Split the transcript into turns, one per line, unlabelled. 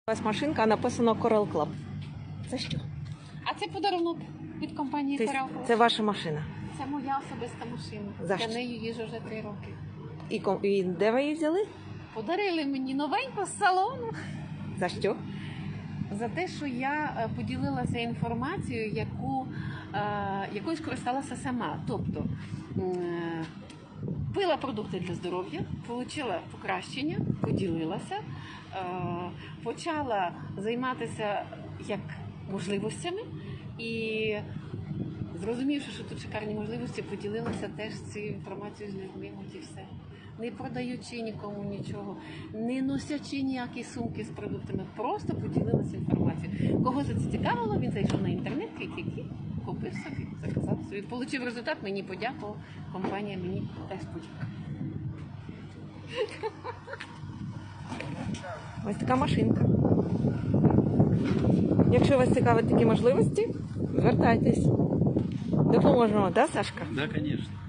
У вас машинка, а написано Coral Club. Це що?
А це подарунок від компанії Coral Club.
Це ваша машина.
Це моя особиста машина.
За що?
Я нею їжджу вже 3 роки.
І де ви її взяли?
Подарили мені новеньку з салону.
За що?
За те, що я поділилася інформацією, якою скористалася сама. Тобто пила продукти для здоров'я, отримала покращення, поділилася, почала займатися як можливостями і, зрозумівши, що тут шикарні можливості, поділилася теж цією інформацією з людьми, от і все. Не продаючи нікому нічого, не носячи ніякі сумки з продуктами, просто поділилася інформацією. Кого це цікавило, він зайшов на інтернет, купив собі, заказав собі. Получив результат, мені подякував, компанія мені теж подякувала.
Ось така машинка. Якщо вас цікавлять такі можливості, звертайтесь. Допоможемо, да, Сашка?
Да, конечно.